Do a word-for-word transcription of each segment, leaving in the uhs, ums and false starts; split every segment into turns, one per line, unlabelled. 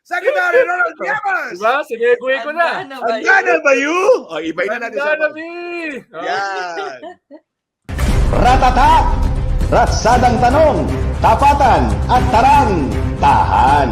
Secretary Ronald Llamas!
Diba? Sinegue ko na.
Handa na ba you? O, ibay na natin sa...
Handa na, Mi!
Yan!
Ratata! Ratsadang tanong, tapatan at tarang, tahan.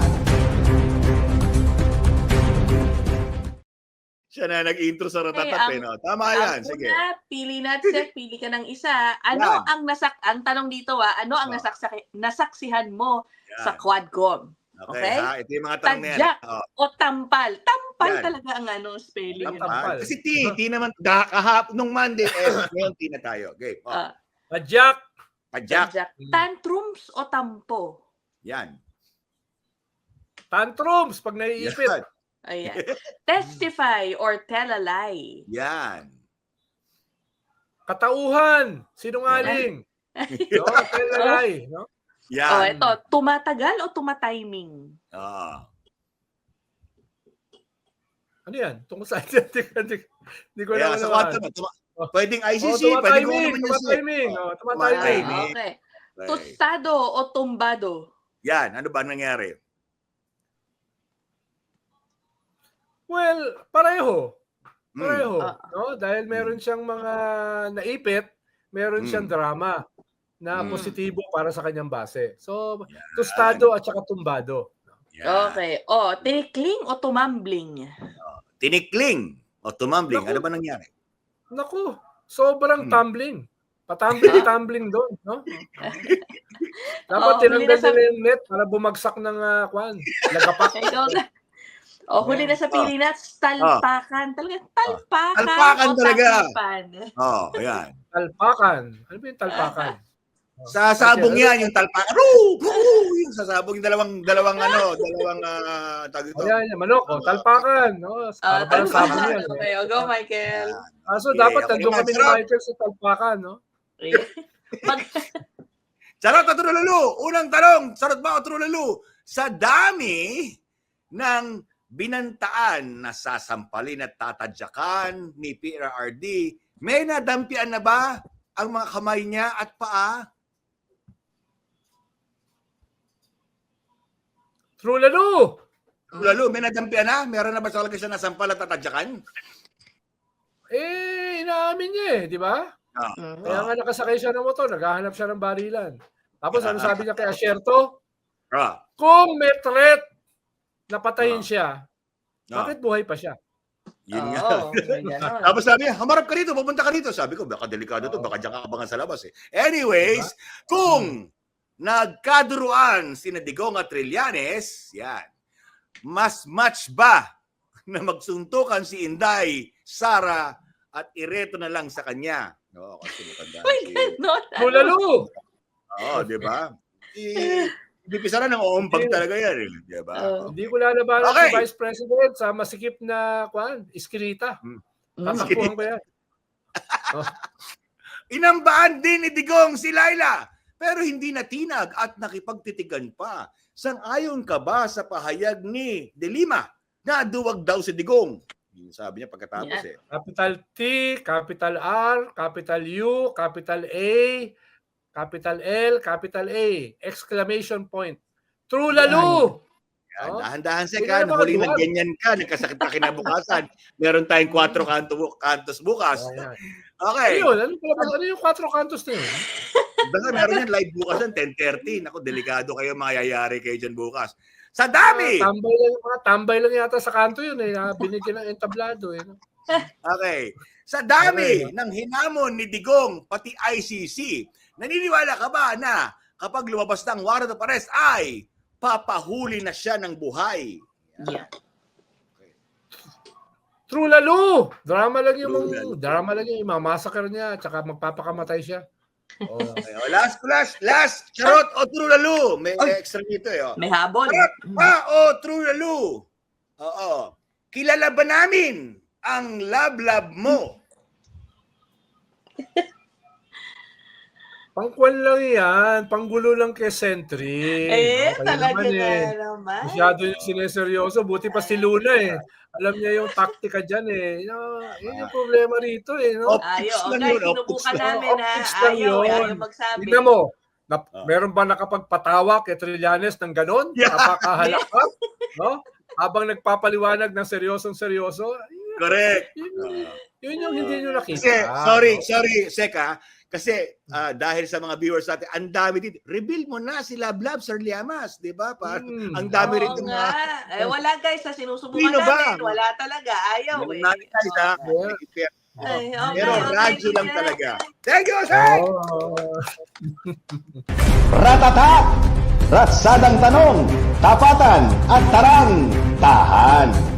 Siya na nag-intro sa Ratatat, eh, no? Tama yan, sige.
Una, pili natin, pili ka ng isa. Ano
Yan.
ang nasak ang tanong dito ah, ano ang
Oh.
nasaksak nasaksihan mo
Yan.
sa Quadcom?
Okay,
Okay?
ha? Ito yung mga tanong na yan.
Tadyak
Oh,
o tampal? Tampal
Yan.
talaga ang ano spelling.
Tam-
yun.
tampal.
ah, kasi T, T naman, da, kahap, nung Monday, eh, ngayon T na tayo. Okay, oh,
Ah,
Padyak!
padyak.
tadyak. Tantrums o tampo?
Yan.
Tantrums pag naiipit.
Yan.
Ayan. Testify or tell a lie?
Yan.
Katauhan! Sinungaling! No? Telalay! No?
Yan.
Oh, ito, tumatagal o tumatiming?
Ah.
Ano yan? Tungkol sa Hindi hindi ko
Kaya
alam
sa
ano.
kwarto na, tuma- pwedeng I C
Oh,
C, pwedeng kung ano
tumatiming!
naman yung set.
Tumatiming! Oh,
Ah,
tumatiming!
Timing.
okay.
Okay.
Tostado o tumbado?
Yan, ano ba nangyari?
Well, pareho.
Hmm.
Pareho.
Ah.
No? Dahil meron siyang mga naipit, meron siyang
Hmm.
drama na
Hmm.
positibo para sa kanyang base. So,
Yan.
tostado at saka tumbado.
Ah.
Yan.
Okay. O, tinikling o tumambling?
Tinikling o tumambling,
Naku.
ano ba nangyari?
Naku, sobrang
Hmm.
tumbling. Patumbling-tumbling doon, no? Dapat
Oh,
tinanggal
huli na sa-
nila yung net para bumagsak ng uh, kwan. Lagapak.
Ikaw na. O, huli na sa pili na, talpakan. Talaga, talpakan
Talpakan
o
talaga.
takipan?
Oh, ayan.
Talpakan. Ano ba yung talpakan?
Sa sabong yan, yung talpakan. Roo! Roo! Yung sa sabong, yung dalawang, dalawang ano, dalawang, uh, tawag ito.
Ayan, yan, manok. Oh, talpakan. No?
Ah,
Para parang sabon
talpakan.
yan. Eh.
Okay, o, go, Michael.
Ah, so,
Okay,
dapat
ako
nandun
naman,
kami ni
sarap.
Michael sa talpakan, no?
Pag,
Charot at trululu! Unang tanong, charot ba o trululu? Sa dami ng binantaan na sasampalin at tatadyakan ni P R R D, may nadampian na ba ang mga kamay niya at paa?
True lalo!
Trululu, may nadampian na? Meron na ba talaga siya nasampal at tatadyakan?
Eh, inaamin niya eh, di ba?
Ah,
Mhm.
Kaya nga nakasakay siya ng motor, naghahanap siya ng barilan. Tapos ano sabi niya kay Asierto?
ah,
Kung may threat na patayin
Ah.
siya,
ah,
bakit buhay pa siya?
yun nga.
Oo, may ganon.
Tapos sabi niya, hamarap ka rito, pupunta ka rito. Sabi ko, baka delikado to, baka diyan ka abangan sa labas eh. Anyways, kung nagkaduruan sina Digong at Trillanes, yan, mas match ba na magsuntukan si Inday, Sara, at ireto na lang sa kanya? Oo, kasi matanda
May
si...
ganon.
True lalo!
Oo, di ba? I- Ibipisaran ng oompag talaga yan, eh, di ba?
Oo.
Hindi ko lalabanan
Okay.
si Vice President sa masikip na kwan, iskrita.
Mm.
Tatakbuhan ko yan.
Inambaan din ni Digong si Laila, pero hindi natinag at nakipagtitigan pa. Sang-ayon ka ba sa pahayag ni De Lima na duwag daw si Digong? Yun sabi niya pagkatapos eh.
Capital T, capital R, capital U, capital A, capital L, capital A, exclamation point. True lalo!
Yan,
Oh.
dahan-dahan sa
Hindi
ka,
na mga
huling
duwag.
nagganyan ka, nagkasakit ka kinabukasan. Meron tayong kwatro kanto, kantos bukas.
Ayan.
Okay.
Ayun, ano, pala ba- ano yung quattro cantos na yun?
Basta meron yan live bukas yan, ten thirty. Naku, delikado kayo, mayayari kayo dyan bukas. Sa dami!
Ah, tambay lang, mga tambay lang yata sa kanto yun eh. na Binigyan ng entablado eh. No?
Okay. Sa dami
Okay.
ng hinamon ni Digong, pati I C C, naniniwala ka ba na kapag lumabas ng warrant of arrest ay papahuli na siya ng buhay?
Yeah.
True lalo! Drama lang yung
True lalo.
drama lang yung mamassacre niya at saka magpapakamatay siya. Oh.
Okay, oh, last, last, last, charot o true lalo? May
Ay.
extra dito eh. Oh.
May habol.
Charot pa o true lalo? Oo. Kilala ba namin ang love-love mo?
Pangkwan lang yan. Panggulo lang kay Sentry.
Eh,
Kayo
talaga
naman
na
eh.
naman.
Masyado yung sineseryoso. Buti pa si Luna eh. Alam niya yung taktika dyan eh. No, yun yung problema rito eh. No?
Op-
Ayaw.
Optics lang
Okay,
yun,
sinubukan
optics lang.
namin na
Optics lang
ayaw.
yun.
Ayaw magsabi.
Tignan mo. Na,
Ah.
meron ba nakapagpatawa kay Trillanes ng ganon?
Yeah.
Napakahalak ka? No? habang nagpapaliwanag ng seryosong seryoso,
Correct.
yun,
Ah.
yun yung hindi nyo nakita.
Kasi, sorry,
no?
sorry, Seka. Kasi ah, dahil sa mga viewers natin, ang dami dito. Reveal mo na si Love Love, Sir Liamas. Di ba? Parang,
Hmm.
ang dami
Oo
rin
nga. Eh, wala guys, sa sinusubukan
Sino ba?
namin. Wala talaga. Ayaw eh.
Natin,
Yeah.
Ay, okay,
Pero
okay,
radyo lang
sige.
talaga. Thank you, Sir!
Oh.
Ratata! Ratsadang tanong, tapatan at tarang, tahan.